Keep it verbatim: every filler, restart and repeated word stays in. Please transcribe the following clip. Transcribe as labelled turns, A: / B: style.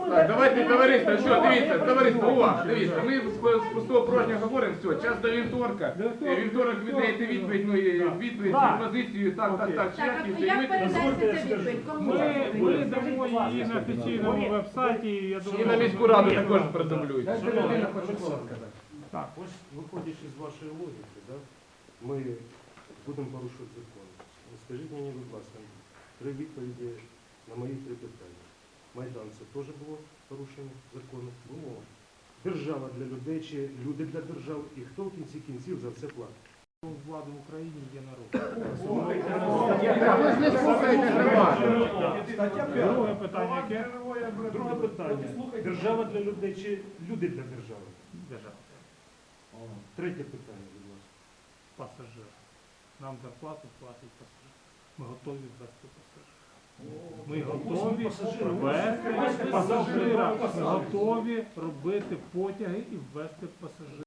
A: Так, давайте, товариство, що, дивіться, товариство, увага, дивіться, ми з з пустого порожнього говоримо, все, час до вівторка, Е, вівторок ви даєте відповідь, ну, і відповідь, позицію, так, так, так,
B: Так,
A: шлях, і
B: а
A: все, і
B: як
A: ми
B: передається ця відповідь? Кому?
C: Ми, ми дамо її на офіційному веб-сайті, я
A: і
C: думаю,
A: на міську раду також продублюють.
D: Дайте людина хоче слово сказати.
C: Так.
E: Ось виходячи з вашої логіки, да, ми будемо порушувати закон. Скажіть мені, будь ласка, три відповіді на мої три питання. Майдан це теж було порушення закону? Було. Держава для людей чи люди для держави? І хто в кінці кінців за це платить?
C: Владу в Україні є народ.
A: Ви ж не слухаєте громаду.
C: Друге питання яке?
E: Друге питання. Держава для людей чи люди для держави?
C: Держава.
E: Третє питання, будь ласка.
C: Пасажир. Нам зарплату платить пасажир. Ми готові ввести пасажира. Ми готові ввести пасажира. Ми готові робити потяги і ввести пасажира.